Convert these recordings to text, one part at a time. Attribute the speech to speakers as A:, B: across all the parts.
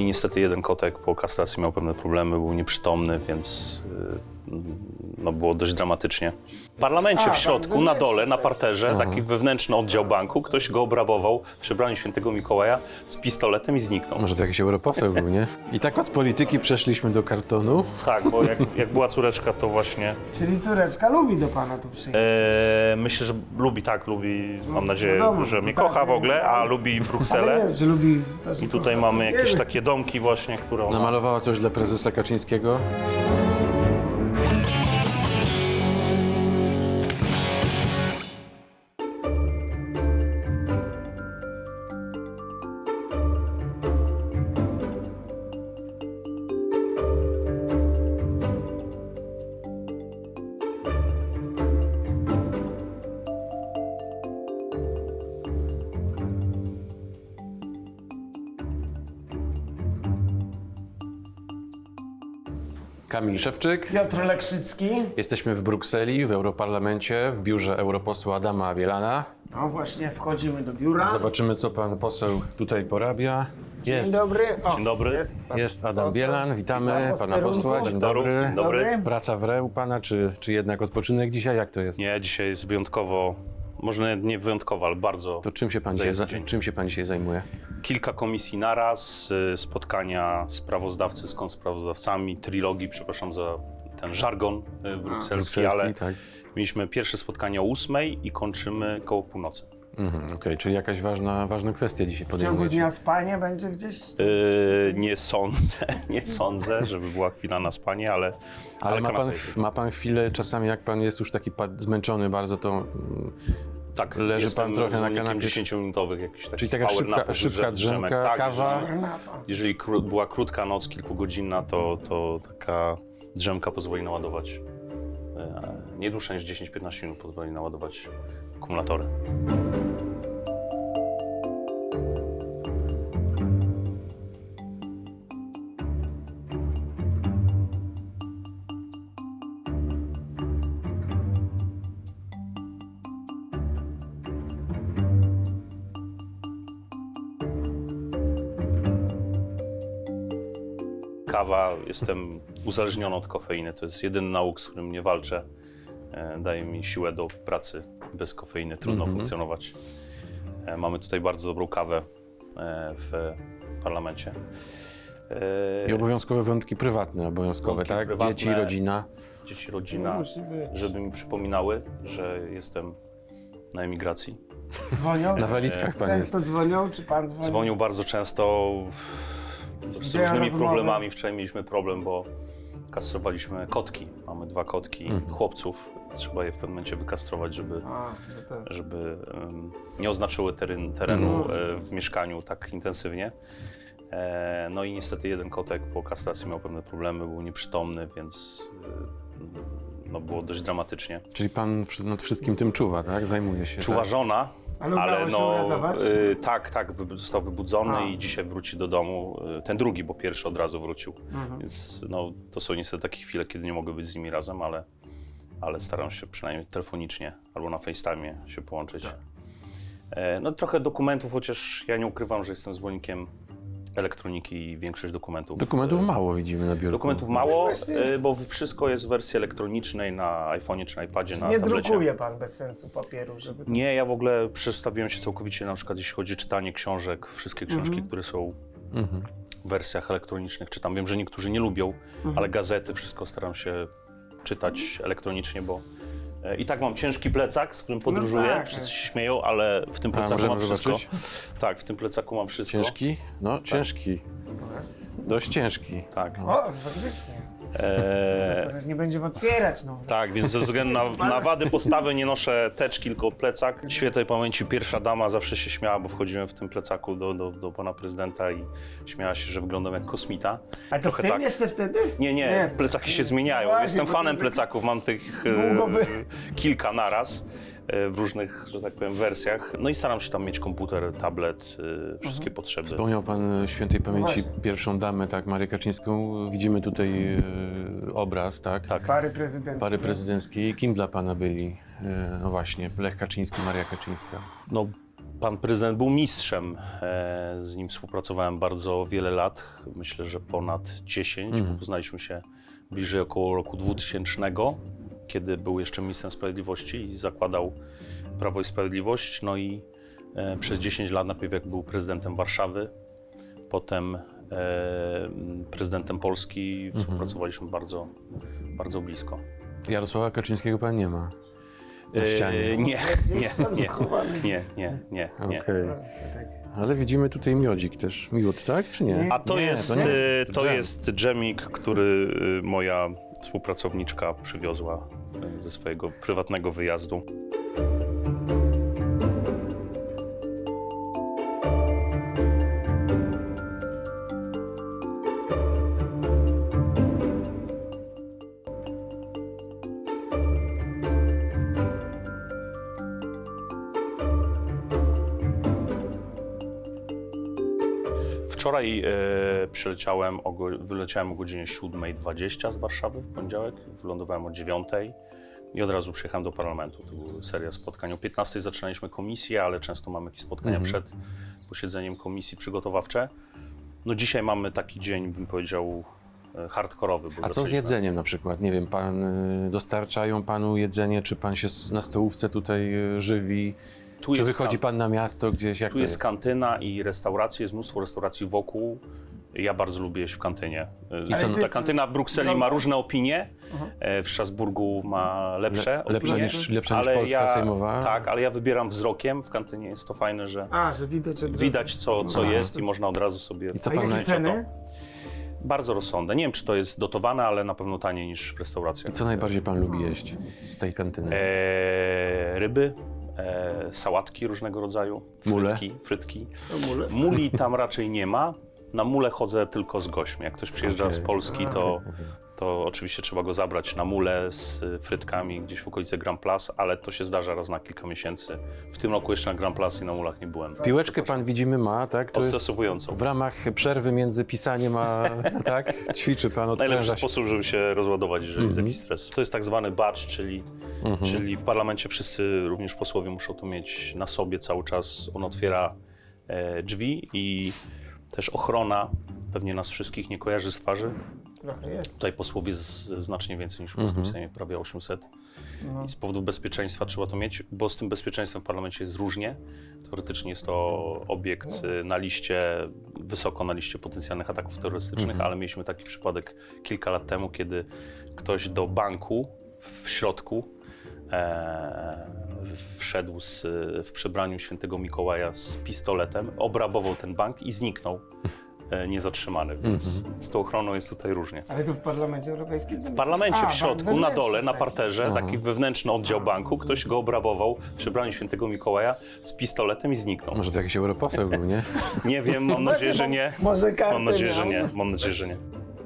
A: i niestety jeden kotek po kastracji miał pewne problemy, był nieprzytomny, więc no, było dość dramatycznie. W parlamencie w środku, na dole, na parterze, taki wewnętrzny oddział banku, ktoś go obrabował w przebraniu świętego Mikołaja z pistoletem i zniknął.
B: Może to jakiś europoseł był, nie? I tak od polityki przeszliśmy do kartonu.
A: Tak, bo jak była córeczka, to właśnie...
C: Czyli córeczka lubi do pana tu przyjść.
A: Myślę, że lubi, mam nadzieję,
C: wiadomo,
A: że mnie
C: tak,
A: kocha w ogóle, a lubi
C: Ale
A: Brukselę.
C: nie, czy lubi też
A: I tutaj mamy jakieś takie domki właśnie, które ona...
B: Namalowała coś dla prezesa Kaczyńskiego. Kamil Szewczyk.
C: Piotr Lekrzycki.
B: Jesteśmy w Brukseli, w Europarlamencie, w biurze europosła Adama Bielana.
C: No właśnie, wchodzimy do biura.
B: Zobaczymy, co pan poseł tutaj porabia.
C: Dzień dobry. O,
A: Dzień dobry.
B: Jest Adam
C: poseł.
B: Bielan, witamy
C: Witam
B: pana posła. Dzień dobry.
A: Dzień dobry.
B: Praca w reł pana, czy jednak odpoczynek dzisiaj? Jak to jest?
A: Nie, dzisiaj jest wyjątkowo, może nie wyjątkowo, ale bardzo...
B: To czym się pan
A: zajęty
B: dzisiaj,
A: dzień.
B: czym się pan dzisiaj zajmuje?
A: Kilka komisji naraz, spotkania sprawozdawcy z kontrsprawozdawcami, trilogii, przepraszam za ten żargon brukselski, ale
B: tak.
A: mieliśmy pierwsze spotkanie o 8:00 i kończymy koło północy.
B: Okej, czyli jakaś ważna kwestia dzisiaj
C: w ciągu
B: podejmujecie.
C: dnia spanie będzie gdzieś?
A: Nie sądzę, żeby była chwila na spanie, ale
B: Ale
A: kanapę jest.
B: ma pan chwilę, czasami jak pan jest już taki zmęczony bardzo, to
A: Tak,
B: leży
A: jestem
B: pan trochę na
A: zwolennikiem
B: kanapie.
A: 10-minutowych jakichś takich
B: Czyli taka
A: power napów,
B: szybka drzemka,
A: tak,
B: kawa.
A: Jeżeli była krótka noc, kilkugodzinna, to taka drzemka pozwoli naładować, nie dłuższa niż 10-15 minut pozwoli naładować akumulatory. Kawa, jestem uzależniony od kofeiny, to jest jedyny nauk, z którym nie walczę. Daje mi siłę do pracy. Bez kofeiny trudno funkcjonować. Mamy tutaj bardzo dobrą kawę w parlamencie.
B: I obowiązkowe wątki prywatne, obowiązkowe,
A: Wątki
B: tak?
A: prywatne.
B: Dzieci, rodzina.
A: Dzieci, rodzina,
C: Musi być.
A: żeby mi przypominały, że jestem na emigracji.
C: Dzwonią?
B: Na walizkach pan jest.
C: Często dzwonią, czy pan dzwoni?
A: Dzwonił bardzo często z
C: Widziałem
A: różnymi
C: rozmowy.
A: problemami. Wczoraj mieliśmy problem, bo kastrowaliśmy kotki. Mamy 2 kotki chłopców. Trzeba je w pewnym momencie wykastrować, żeby
C: To też.
A: nie oznaczyły terenu w mieszkaniu tak intensywnie. No i niestety jeden kotek po kastracji miał pewne problemy, był nieprzytomny, więc no, było dość dramatycznie.
B: Czyli pan nad wszystkim tym czuwa, tak? Zajmuje się.
A: Czuwa
B: tak?
A: żona,
C: Ale udało się uratować?
A: tak, został wybudzony
C: A.
A: i dzisiaj wróci do domu. Ten drugi, bo pierwszy od razu wrócił. Więc no, to są niestety takie chwile, kiedy nie mogę być z nimi razem, ale staram się przynajmniej telefonicznie albo na FaceTime'ie się połączyć. No trochę dokumentów, chociaż ja nie ukrywam, że jestem zwolennikiem elektroniki i większość dokumentów.
B: Dokumentów mało widzimy na biurku.
A: Dokumentów mało,
C: Właśnie.
A: bo wszystko jest w wersji elektronicznej na iPhone'ie czy na iPadzie, na
C: Nie
A: tablecie.
C: drukuje pan bez sensu papieru, żeby...
A: Nie, ja w ogóle przestawiłem się całkowicie, na przykład jeśli chodzi o czytanie książek, wszystkie książki, które są w wersjach elektronicznych czytam. Wiem, że niektórzy nie lubią, ale gazety, wszystko staram się czytać elektronicznie, bo i tak mam ciężki plecak, z którym podróżuję,
C: tak.
A: wszyscy się śmieją, ale w tym plecaku
B: możemy
A: mam wszystko.
B: zobaczyć?
A: Tak, w tym plecaku mam wszystko.
B: Ciężki? No, ciężki. Dość ciężki.
A: Tak.
C: O, faktycznie. Nie będziemy otwierać, no.
A: Tak, więc ze względu na wady postawy nie noszę teczki, tylko plecak. Świętej pamięci pierwsza dama zawsze się śmiała, bo wchodziłem w tym plecaku do pana prezydenta i śmiała się, że wyglądam jak kosmita.
C: A to w tym jeszcze wtedy?
A: Nie, plecaki się zmieniają.
C: Właśnie,
A: Jestem
C: bo
A: fanem
C: to-
A: plecaków, mam tych
C: Długo by-
A: kilka naraz w różnych, że tak powiem, wersjach. No i staram się tam mieć komputer, tablet, wszystkie potrzeby.
B: Wspomniał pan świętej pamięci
C: właśnie.
B: pierwszą damę, tak, Marię Kaczyńską. Widzimy tutaj obraz, tak?
A: Tak.
C: Pary prezydenckie.
B: Pary prezydenckiej. Kim dla pana byli? No właśnie, Lech Kaczyński, Maria Kaczyńska.
A: No, Pan prezydent był mistrzem. Z nim współpracowałem bardzo wiele lat, myślę, że ponad 10. Poznaliśmy się bliżej około roku 2000, kiedy był jeszcze ministrem sprawiedliwości i zakładał Prawo i Sprawiedliwość. No i przez 10 lat, najpierw jak był prezydentem Warszawy, potem prezydentem Polski, współpracowaliśmy bardzo, bardzo blisko.
B: Jarosława Kaczyńskiego pan nie ma na ścianie.
A: Nie.
B: Okej. Ale widzimy tutaj miodzik też. Miód, tak? Czy nie?
A: A to
B: nie,
A: jest,
B: nie.
A: to
B: dżem.
A: jest dżemik, który moja współpracowniczka przywiozła ze swojego prywatnego wyjazdu. Wczoraj wyleciałem o godzinie 7:20 z Warszawy w poniedziałek, wylądowałem o 9:00 i od razu przyjechałem do parlamentu. To była seria spotkań. O 15:00 zaczynaliśmy komisję, ale często mamy jakieś spotkania przed posiedzeniem komisji przygotowawcze. No dzisiaj mamy taki dzień, bym powiedział, hardkorowy. Bo
B: A co z
A: zaczęliśmy-
B: jedzeniem na przykład? Nie wiem, dostarczają panu jedzenie, czy pan się na stołówce tutaj żywi?
A: Tu
B: Czy
A: jest
B: wychodzi pan na miasto gdzieś? Jak
A: Tu
B: to
A: jest kantyna i restauracje, jest mnóstwo restauracji wokół. Ja bardzo lubię jeść w kantynie.
B: I co,
A: Ta
C: jest-
A: kantyna w Brukseli ma różne opinie, w Strasburgu ma lepsze
B: lepsza
A: opinie.
B: niż
A: ale
B: Polska sejmowa?
A: Tak, ale ja wybieram wzrokiem. W kantynie jest to fajne, że
C: Że widać od razu.
A: widać co jest i można od razu sobie
B: I co
C: A
B: pan
C: jakie
B: naj-
C: ceny?
A: Bardzo rozsądne. Nie wiem, czy to jest dotowane, ale na pewno taniej niż w restauracjach.
B: Co najbardziej pan lubi jeść z tej kantyny?
A: Ryby, sałatki różnego rodzaju,
B: Mule?
A: frytki.
C: Mule.
A: Muli tam raczej nie ma. Na mule chodzę tylko z gośćmi. Jak ktoś przyjeżdża z
B: Okej.
A: Polski, to oczywiście trzeba go zabrać na mule z frytkami gdzieś w okolicy Grand Place, ale to się zdarza raz na kilka miesięcy. W tym roku jeszcze na Grand Place i na mulach nie byłem.
B: Piłeczkę pan widzimy ma, tak? To jest
A: Odstresowującą.
B: w ramach przerwy między pisaniem a tak? Ćwiczy pan,
A: Najlepszy
B: odpręża się.
A: sposób, żeby się rozładować, jeżeli jest jakiś stres. To jest tak zwany badge, czyli w parlamencie wszyscy, również posłowie, muszą to mieć na sobie cały czas. On otwiera drzwi i też ochrona pewnie nas wszystkich nie kojarzy z twarzy.
C: Trochę jest.
A: Tutaj posłów jest znacznie więcej niż w polskim Sejmie, prawie 800. I z powodów bezpieczeństwa trzeba to mieć, bo z tym bezpieczeństwem w parlamencie jest różnie. Teoretycznie jest to obiekt na liście, wysoko na liście potencjalnych ataków terrorystycznych, ale mieliśmy taki przypadek kilka lat temu, kiedy ktoś do banku w środku wszedł w przebraniu świętego Mikołaja z pistoletem, obrabował ten bank i zniknął niezatrzymany, więc z tą ochroną jest tutaj różnie.
C: Ale tu w Parlamencie Europejskim?
A: W parlamencie, w środku, na dole, na parterze,
C: tak.
A: taki wewnętrzny oddział banku, ktoś go obrabował w przebraniu świętego Mikołaja z pistoletem i zniknął.
B: Może to jakiś europoseł był, nie?
A: Nie wiem, mam nadzieję, że nie.
C: Może kartę
A: Mam nadzieję, że
C: miał.
A: nie. Mam nadzieję, że nie.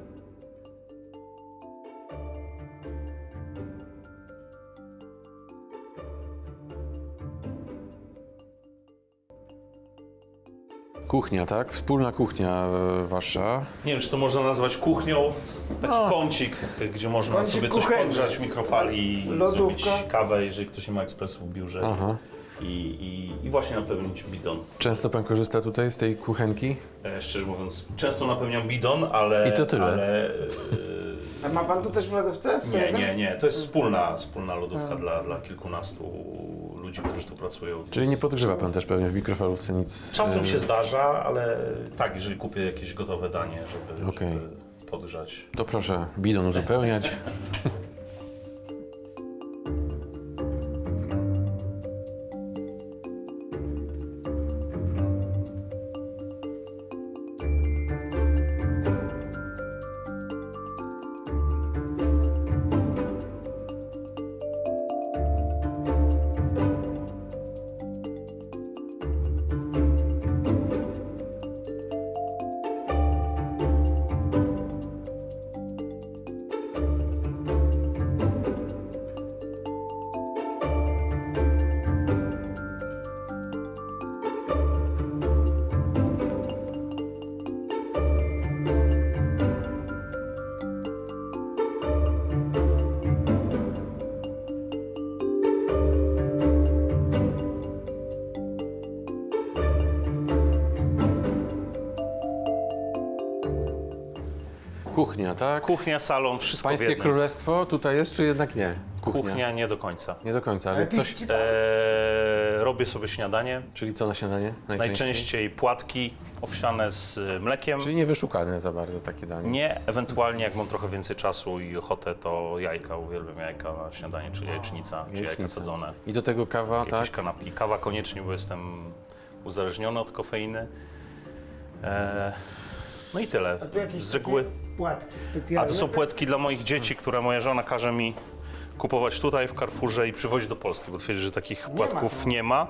B: Kuchnia, tak? Wspólna kuchnia wasza.
A: Nie wiem, czy to można nazwać kuchnią. Taki kącik, gdzie można
C: Kącik
A: sobie coś
C: kuchenny.
A: podgrzać w mikrofali i
C: Lodówka.
A: zrobić kawę, jeżeli ktoś nie ma ekspresu w biurze.
B: Aha.
A: I właśnie napełnić bidon.
B: Często pan korzysta tutaj z tej kuchenki?
A: Szczerze mówiąc, często napełniam bidon, ale...
B: I to tyle.
A: Ale,
C: A ma pan tu coś w lodówce swojego?
A: nie. To jest wspólna lodówka dla kilkunastu ludzi, którzy tu pracują.
B: Czyli nie podgrzewa pan też pewnie w mikrofalówce nic?
A: Czasem się zdarza, ale tak, jeżeli kupię jakieś gotowe danie, żeby
B: Okej.
A: podgrzać.
B: To proszę bidon uzupełniać. Kuchnia, tak?
A: Kuchnia, salon, wszystko w
B: Pańskie
A: jednym.
B: królestwo tutaj jest, czy jednak nie?
A: Kuchnia nie do końca.
B: Nie do końca, ale coś...
A: Robię sobie śniadanie.
B: Czyli co na śniadanie?
A: Najczęściej płatki owsiane z mlekiem.
B: Czyli niewyszukane za bardzo takie danie.
A: Nie, ewentualnie jak mam trochę więcej czasu i ochotę, to jajka. Uwielbiam jajka na śniadanie, czy jajecznica, czy jajka
B: Jajecznica.
A: sadzone.
B: I do tego kawa,
A: Jakieś
B: tak?
A: kanapki. Kawa koniecznie, bo jestem uzależniony od kofeiny. No i tyle.
C: A tu jakieś
A: Z reguły.
C: takie płatki
A: A
C: specjalne.
A: to są płetki dla moich dzieci, które moja żona każe mi kupować tutaj w Carrefourze i przywozić do Polski, bo twierdzi, że takich płatków nie ma.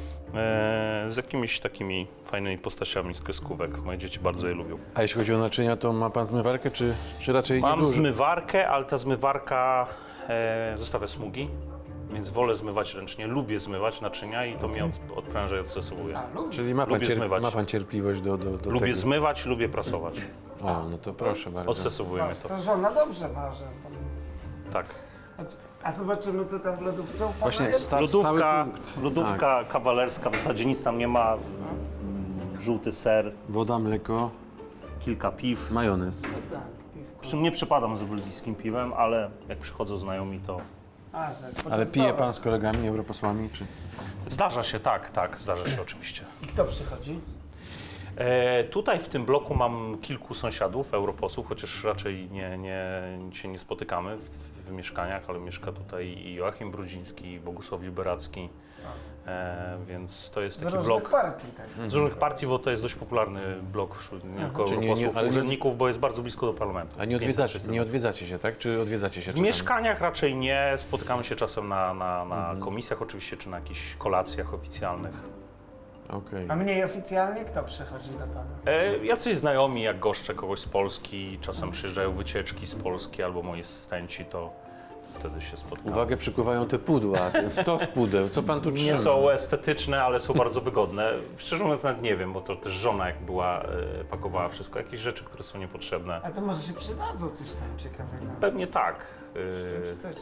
A: Z jakimiś takimi fajnymi postaciami z kreskówek. Moje dzieci bardzo je lubią.
B: A jeśli chodzi o naczynia, to ma pan zmywarkę, czy raczej
A: Mam
B: nie duży?
A: zmywarkę, ale ta zmywarka zostawia smugi, więc wolę zmywać ręcznie. Lubię zmywać naczynia i to mnie odpręża i odstresowuje.
C: A, lubię.
B: Czyli ma pan,
A: Lubię zmywać.
B: ma pan cierpliwość do
A: Lubię
B: tego?
A: zmywać, lubię prasować.
B: O, no to proszę bardzo.
A: Odstresowuje mnie to.
C: To żona dobrze ma, że tam...
A: Tak.
C: A zobaczymy, co tam w lodówce u pana
B: Właśnie
C: jest?
B: stały punkt.
A: Lodówka kawalerska, w zasadzie nic tam nie ma. Żółty ser,
B: Woda, mleko,
A: kilka piw.
B: majonez.
C: Tak, piwko.
A: Przy mnie przepadam za belgijskim piwem, ale jak przychodzą znajomi, to
C: A, że
B: Ale
C: poczęstować.
B: pije pan z kolegami, europosłami, czy?
A: zdarza się, tak, zdarza się oczywiście.
C: I kto przychodzi?
A: Tutaj w tym bloku mam kilku sąsiadów, europosłów, chociaż raczej się nie spotykamy w mieszkaniach, ale mieszka tutaj i Joachim Brudziński, i Bogusław Liberacki, więc to jest
C: Z
A: taki
C: różnych
A: blok
C: partii, tak.
A: z różnych partii, bo to jest dość popularny blok wśród nie tylko
B: Czyli
A: europosłów,
B: ale
A: urzędników, bo jest bardzo blisko do parlamentu.
B: A nie
A: 500
B: odwiedzacie, nie odwiedzacie się, tak? Czy odwiedzacie się
A: W
B: czasami?
A: mieszkaniach raczej nie, spotykamy się czasem na komisjach oczywiście, czy na jakichś kolacjach oficjalnych.
B: Okej.
C: A mniej oficjalnie kto przychodzi do pana?
A: Jacyś znajomi, jak goszczę kogoś z Polski, czasem przyjeżdżają wycieczki z Polski albo moi asystenci, to wtedy się spotykamy.
B: Uwagę przykuwają te pudła, ten stos pudeł. Co pan tu trzyma?
A: Nie są estetyczne, ale są bardzo wygodne. Szczerze mówiąc nawet nie wiem, bo to też żona jak była, pakowała wszystko, jakieś rzeczy, które są niepotrzebne.
C: A to może się przydadzą coś tam ciekawego.
A: Pewnie tak.
C: Chcecie.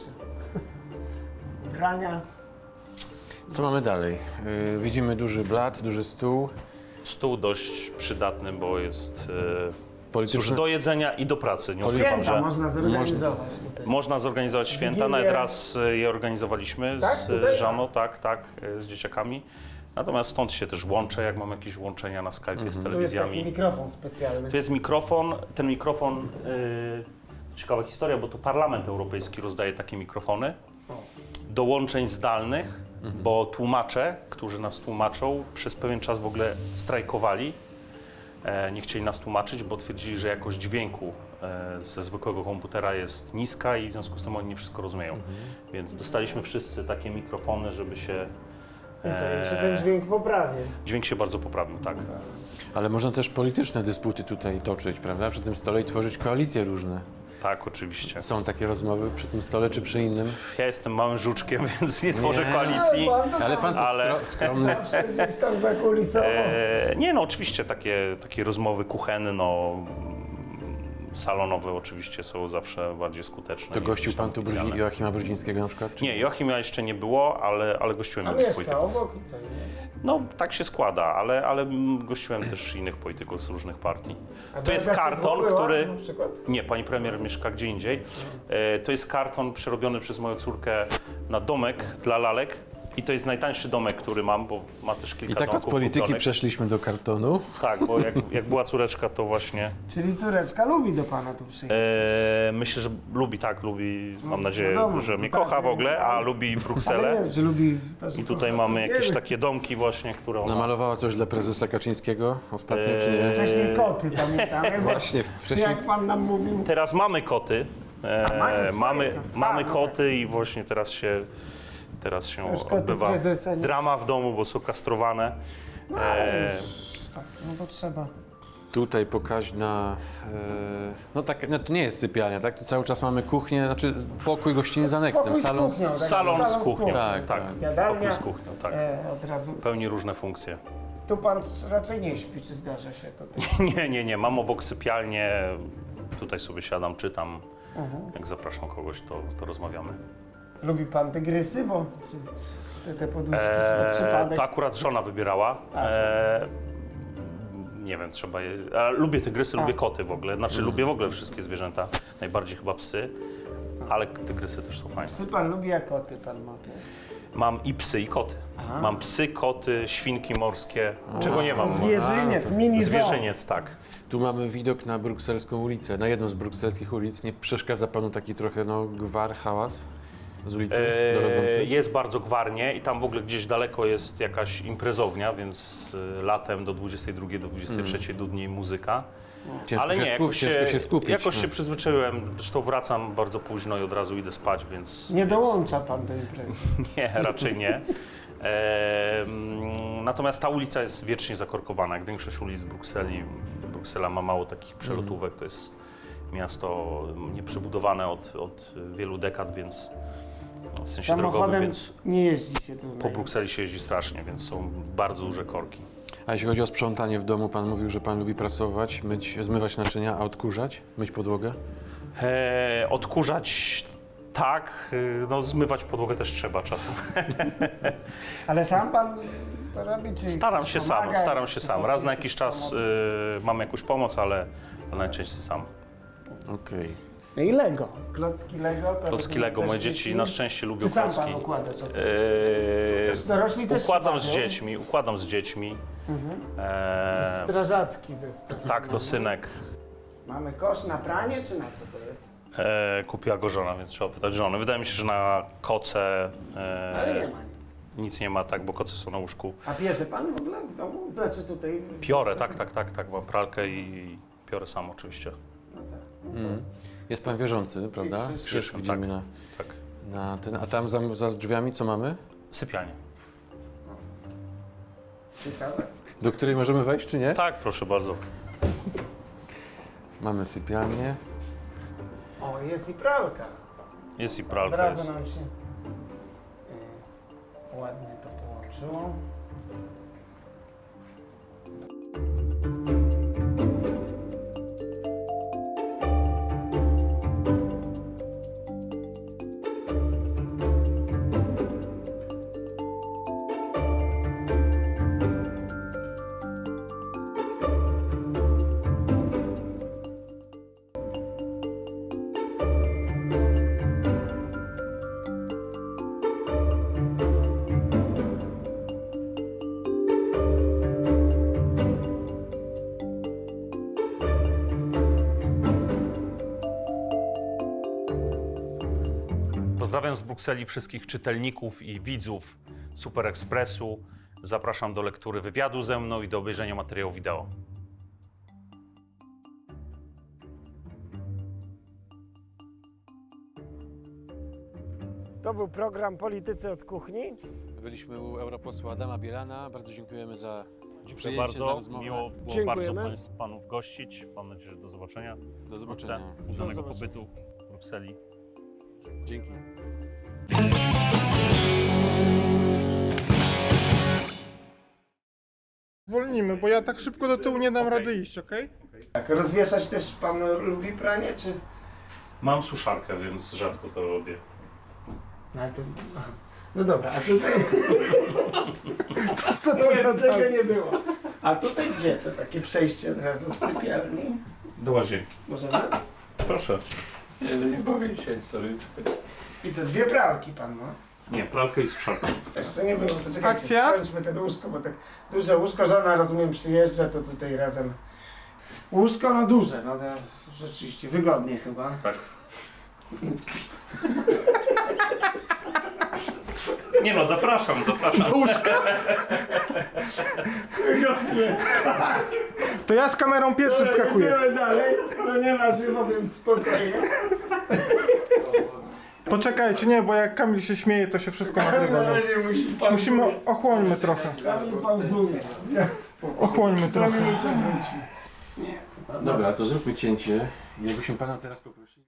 C: Brania.
B: Co mamy dalej? Widzimy duży blat, duży stół.
A: Stół dość przydatny, bo jest cóż,
B: Polityczne...
A: do jedzenia i do pracy. Nie ukrywam,
C: Święta
A: że
C: można zorganizować tutaj.
A: można zorganizować święta.
C: Wigilię.
A: Nawet raz je organizowaliśmy
C: Tak?
A: z
C: Tutaj?
A: żoną, tak, z dzieciakami. Natomiast stąd się też łączę, jak mam jakieś łączenia na Skype'ie z
C: Tu jest taki
A: telewizjami.
C: mikrofon specjalny.
A: Tu jest mikrofon. Ten mikrofon, ciekawa historia, bo to Parlament Europejski rozdaje takie mikrofony do łączeń zdalnych, bo tłumacze, którzy nas tłumaczą, przez pewien czas w ogóle strajkowali. Nie chcieli nas tłumaczyć, bo twierdzili, że jakość dźwięku ze zwykłego komputera jest niska i w związku z tym oni nie wszystko rozumieją. Więc dostaliśmy wszyscy takie mikrofony, żeby się...
C: I co, i się ten dźwięk poprawi.
A: Dźwięk się bardzo poprawił, tak.
B: Ale można też polityczne dysputy tutaj toczyć, prawda? Przy tym stole i tworzyć koalicje różne.
A: Tak, oczywiście.
B: Są takie rozmowy przy tym stole czy przy innym?
A: Ja jestem małym żuczkiem, więc nie tworzę
B: Nie.
A: koalicji.
B: Ale pan to
A: Ale-
B: skromny.
C: Zawsze gdzieś tam zakulisowo.
A: Nie no, oczywiście takie rozmowy kuchenne, salonowe oczywiście są zawsze bardziej skuteczne.
B: To
A: niż
B: gościł
A: gdzieś tam
B: pan tu
A: oficjalne.
B: Joachima Brudzińskiego na przykład? Czy...
A: Nie, Joachima jeszcze nie było, ale gościłem
C: A
A: innych
C: mieszka
A: polityków.
C: obok i co? Nie?
A: No, tak się składa, ale gościłem też innych polityków z różnych partii.
C: A
A: To jest
C: Beata
A: karton,
C: była,
A: który...
C: Na przykład?
A: Nie, pani premier mieszka gdzie indziej. To jest karton przerobiony przez moją córkę na domek dla lalek. I to jest najtańszy domek, który mam, bo ma też kilka
B: I tak od
A: domków
B: polityki
A: kupionych.
B: przeszliśmy do kartonu.
A: Tak, bo jak była córeczka, to właśnie...
C: Czyli córeczka lubi do pana tu przyjść.
A: myślę, że lubi, mam nadzieję,
C: wiadomo,
A: że mnie
C: tak,
A: kocha w ogóle, a lubi
C: Ale
A: Brukselę.
C: nie wiem, czy lubi... To, że
A: I tutaj
C: kocha.
A: mamy
C: Nie
A: jakieś
C: wiem.
A: takie domki właśnie, które ona...
B: Namalowała coś dla prezesa Kaczyńskiego ostatnio, czy nie?
C: Wcześniej koty, pamiętamy? Bo
B: Właśnie, wcześniej...
C: jak pan nam mówił...
A: Teraz mamy koty.
C: macie swoje
A: Mamy
C: koty. No
A: koty i właśnie teraz się
C: Już koty
A: odbywa
C: prezesa nie-
A: drama w domu, bo są kastrowane.
C: No, ale już, tak, no to trzeba.
B: Tutaj pokaźna, no tak, no to nie jest sypialnia, tak? Tu cały czas mamy kuchnię, znaczy pokój gościnny z aneksem,
C: Pokój z
B: salon.
C: kuchnią, tak?
A: Salon z kuchnią.
B: Tak,
A: Tak,
B: tak.
C: Jadalnia.
A: pokój z kuchnią, tak.
C: Od razu.
A: Pełni różne funkcje.
C: Tu pan raczej nie śpi, czy zdarza się to? Tak?
A: Nie. Mam obok sypialnię. Tutaj sobie siadam, czytam.
C: Mhm.
A: Jak zapraszam kogoś, to rozmawiamy.
C: Lubi pan tygrysy, bo te poduszki, czy to przypadek?
A: To akurat żona wybierała. Nie wiem, trzeba je... A lubię tygrysy, lubię koty w ogóle. Znaczy lubię w ogóle wszystkie zwierzęta. Najbardziej chyba psy, ale tygrysy też są fajne.
C: Psy pan lubi, a koty pan ma też.
A: Mam i psy, i koty. Mam psy, koty, świnki morskie. Czego nie mam?
C: Zwierzyniec, mini zoo.
A: Zwierzyniec, tak.
B: Tu mamy widok na brukselską ulicę, na jedną z brukselskich ulic. Nie przeszkadza panu taki trochę gwar, hałas z ulicy dochodzący?
A: Jest bardzo gwarnie i tam w ogóle gdzieś daleko jest jakaś imprezownia, więc latem do 22, do 23 dudni muzyka.
B: Ciężko
A: Ale
B: się
A: nie, jakoś
B: ciężko się skupić.
A: Jakoś
B: no.
A: się przyzwyczaiłem, zresztą wracam bardzo późno i od razu idę spać, więc...
C: Nie dołącza pan do imprezy.
A: Nie, raczej nie. Natomiast ta ulica jest wiecznie zakorkowana, jak większość ulic Brukseli. Bruksela ma mało takich przelotówek, to jest miasto nieprzebudowane od wielu dekad, więc w sensie drogowym,
C: Samochodem
A: więc
C: nie jeździ się tu.
A: po Brukseli się jeździ strasznie, więc są bardzo duże korki.
B: A jeśli chodzi o sprzątanie w domu, pan mówił, że pan lubi prasować, zmywać naczynia, a odkurzać, myć podłogę?
A: Odkurzać tak, no zmywać podłogę też trzeba czasem.
C: Ale sam pan to robi, czy
A: Staram
C: ktoś
A: się
C: pomaga,
A: sam, staram się
C: czy
A: sam.
C: ktoś
A: Raz na
C: jakiś
A: jakiś czas
C: pomoc?
A: mam jakąś pomoc, ale najczęściej sam.
B: Okej.
C: No i Lego. Klocki Lego. To
A: Klocki
C: robią
A: Lego,
C: też
A: moje dzieci na szczęście lubią
C: Czy sam
A: klocki.
C: pan układa czasem?
A: Eee,
C: Dorośli też
A: układam
C: się
A: z
C: bawią.
A: dziećmi, układam z dziećmi.
C: Strażacki zestaw.
A: Tak, to synek.
C: Mamy kosz na pranie, czy na co to jest?
A: Kupiła go żona, więc trzeba pytać żony. Wydaje mi się, że na koce
C: Ale nie ma nic.
A: nic nie ma, tak, bo koce są na łóżku.
C: A bierze pan w ogóle w domu? Znaczy tutaj...
A: Piorę, tak, mam pralkę i piorę sam oczywiście.
C: No tak.
B: Jest pan wierzący, prawda?
C: I krzyż.
B: Krzyż widzimy
A: Tak.
B: na,
A: Tak.
B: na ten. A tam za drzwiami co mamy?
A: Sypialnie.
C: Ciekawe.
B: Do której możemy wejść, czy nie?
A: Tak, proszę bardzo.
B: Mamy sypialnię.
C: O, jest i pralka.
A: Jest i
C: Od
A: pralka,
C: razu
A: jest.
C: nam się ładnie to połączyło.
A: Pozdrawiam z Brukseli wszystkich czytelników i widzów Super Expressu. Zapraszam do lektury wywiadu ze mną i do obejrzenia materiału wideo.
C: To był program Politycy od Kuchni.
B: Byliśmy u europosła Adama Bielana. Bardzo dziękujemy za
A: Dziękuję
B: przyjęcie, za
A: bardzo.
B: rozmowę.
A: Miło było
C: Dziękujemy.
A: bardzo panów gościć. Mam nadzieję, że do zobaczenia.
B: Do zobaczenia.
A: Udanego
C: zobaczenia.
A: pobytu w Brukseli.
B: Dzięki.
D: Zwolnimy, bo ja tak szybko do tyłu nie dam
A: Okej.
D: rady iść, okej?
C: Tak, rozwieszać też pan lubi pranie, czy...
A: Mam suszarkę, więc rzadko to robię.
C: No, ale to... aha. No dobra, a tutaj... to co tego nie było. A tutaj gdzie? To takie przejście od razu z sypialni.
A: Do łazienki.
C: Możemy?
A: Proszę.
B: Nie powiem dzisiaj, sorry.
C: I to dwie pralki pan ma.
A: Nie, pralkę i suszarkę.
C: Jeszcze nie było, to czekajcie,
D: Akcja?
C: skończmy ten łóżko, bo tak duże łóżko, żona rozumiem przyjeżdża, to tutaj razem. Łóżko no duże, no to rzeczywiście wygodnie chyba.
A: Tak. Nie no, zapraszam.
C: Wygodnie.
D: To ja z kamerą pierwszy wskakuję.
C: Jedziemy dalej, no nie na żywo, więc spokojnie.
D: Poczekajcie, nie, bo jak Kamil się śmieje, to się wszystko nagrywa.
C: Na razie
D: Musimy, ochłońmy trochę.
C: Kamil pauzuje.
D: Ochłońmy trochę.
B: Dobra, to zróbmy cięcie. Jakbyśmy pana teraz poprosili.